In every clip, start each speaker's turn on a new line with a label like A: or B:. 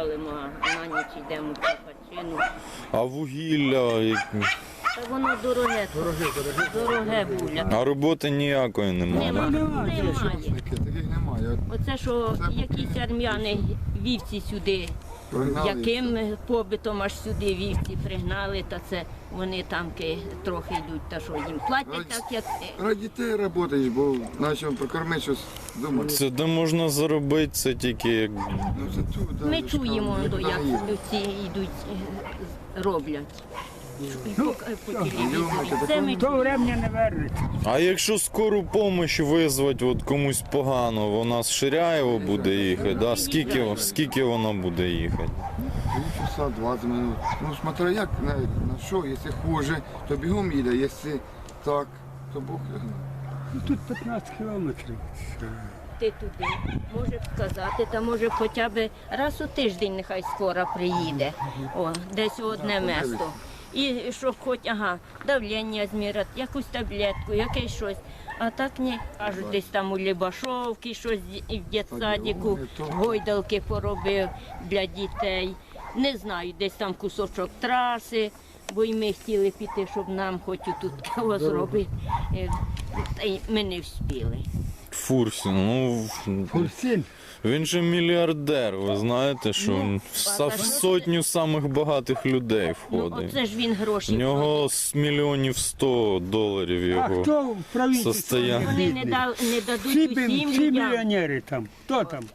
A: валимо, а на ніч йдемо в Копачину.
B: А вугілля,
A: Та воно дороге, дороге буля.
B: а роботи ніякої немає.
A: Немає.
C: Таких немає.
A: Оце, що якісь армяни вівці сюди,
C: Пригнали.
A: яким побитом аж сюди вівці пригнали, та це вони там трохи йдуть, та що їм платять так, як...
C: Ради дітей працюєш, бо наче прокормити щось думати.
B: Це де можна заробити, це тільки як
C: Ну, це тут, да,
A: Ми
C: ж
A: чуємо,
C: там,
A: як
C: наїдемо.
A: ці йдуть, роблять. По телевізорі.
C: Йомайте,
A: Це ми
D: То времени не вернеться.
B: А якщо скору допомогу визвати от комусь погано, вона з Ширяєва буде їхати, да? Скільки вона буде їхати?
C: 3 часа 20 минут. Ну, смотря як, на що, якщо хуже, то бігом їде, якщо так, то Бог його знає.
D: Ну, тут 15 кілометрів.
A: ти туди, може сказати, та може хоча б раз у тиждень нехай скоро приїде, о, десь у одне місто. І щоб хоч, давлення зміряти, якусь таблетку, якесь щось. А так ні, кажуть, десь там у Лібашовці щось в дитсадіку, гойдалки поробив для дітей. Не знаю, десь там кусочок траси, бо й ми хотіли піти, щоб нам хоч тут кого зробити. Та й ми не встигли.
B: Фурсін, ну
D: Фурсін.
B: він же мільярдер, ви знаєте, що він в сотню самих багатих людей
A: Ну,
B: входить.
A: оце ж він гроші
B: У нього
A: платить.
B: з мільйонів 100 доларів
D: А
B: його.
D: хто в правительстві?
B: состояння.
A: Вони
D: бідний?
A: не дадуть
D: Всі,
A: усім
D: всі
A: людям,
D: мільйонери там. Хто там?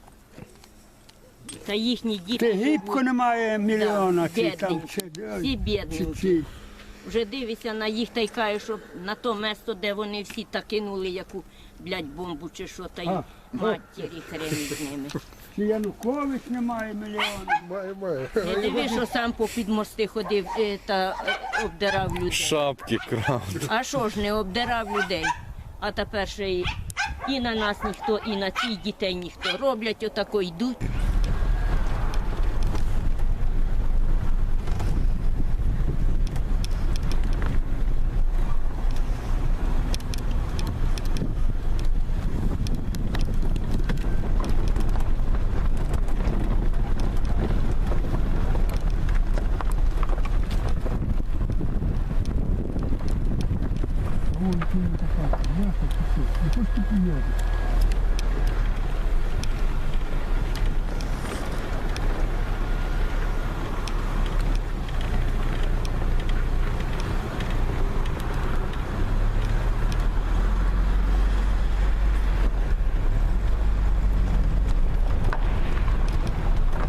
A: та їхні діти
D: Тигибко
A: живуть.
D: немає мільйона.
A: Да,
D: чи там,
A: бідненькі.
D: чи,
A: Всі
D: чи,
A: бідненькі.
D: чи.
A: Вже дивишся на їх та й кажуть, що на то місто, де вони всі та кинули яку, бомбу чи що, та й
D: А.
A: матері хрен з ними.
D: Чи Янукович немає мільйона.
A: Не дивись, що сам попід мости ходив та обдирав людей.
B: Шапки крав.
A: А що ж не обдирав людей? А тепер ще і на нас ніхто, і на цих дітей ніхто. Роблять отако, йдуть.
D: Ой, ти така, я хочу, не хочеш ти приїхати.